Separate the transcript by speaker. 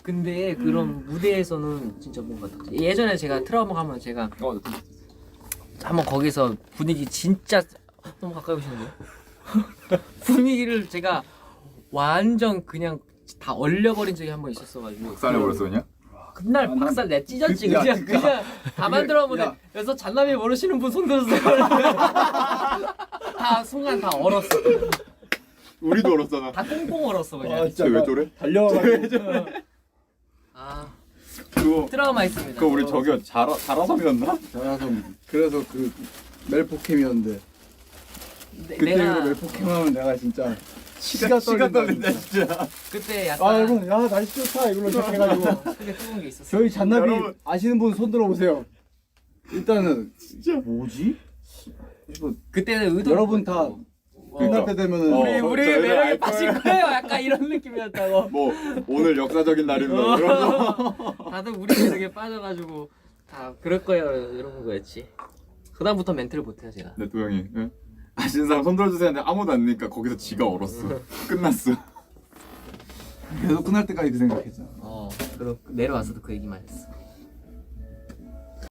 Speaker 1: 근데 그런 무대에서는 진짜 뭔가 예전에 제가 트라우마 가면 제가 한번 거기서 분위기 진짜 너무 가까이 오시는데요? 분위기를 제가 완전 그냥 다 얼려버린 적이 한 번 있었어가지고
Speaker 2: 박살내버렸어 그냥?
Speaker 1: 그날 박살 내 찢었지.
Speaker 3: 야,
Speaker 1: 그냥
Speaker 3: 진짜.
Speaker 1: 그냥 다 만들어보네.
Speaker 3: 야.
Speaker 1: 그래서 잔남이 모르시는 분 손 들었어요. 다 순간 다 얼었어.
Speaker 2: 우리도 얼었잖아.
Speaker 1: 다 꽁꽁 얼었어 그냥.
Speaker 3: 진짜
Speaker 2: 왜 저래?
Speaker 3: 달려와가지고
Speaker 1: 아
Speaker 2: 그거
Speaker 1: 트라우마 있습니다.
Speaker 2: 그거 우리 저기요 자라섬이었나?
Speaker 3: 자라서 그래서 그 멜포캠이었는데 그때
Speaker 1: 내가
Speaker 3: 이후로 멜포캠하면 내가 진짜 치가 떨린다
Speaker 2: 진짜.
Speaker 1: 그때 약간
Speaker 3: 아 여러분 야 날씨 좋다 이걸로 시작해가지고
Speaker 1: 크게 뜨거운 게 있었어.
Speaker 3: 저희 잔나비
Speaker 2: 여러분.
Speaker 3: 아시는 분 손 들어보세요. 일단은
Speaker 2: 진짜.
Speaker 3: 뭐지? 이거
Speaker 1: 그때는 의도
Speaker 3: 여러분 다 끝날 때 되면은
Speaker 1: 우리의
Speaker 2: 저희는
Speaker 1: 매력에
Speaker 2: 알
Speaker 1: 빠질
Speaker 2: 거예요.
Speaker 1: 거예요. 약간 이런 느낌이었다고.
Speaker 2: 뭐 오늘 역사적인 날입니다. 이런 거.
Speaker 1: 다들 우리 매력에 빠져가지고 다 그럴 거예요 이런 거였지. 그다음부터 멘트를 못해요 제가.
Speaker 2: 네, 도영이. 응? 아시는 사람 손 들어주세요 했는데 아무도 안 니까 거기서 지가 얼었어. 끝났어.
Speaker 3: 계속 끝날 때까지 그 생각했잖아.
Speaker 1: 그리고 내려와서도 그 얘기만 했어.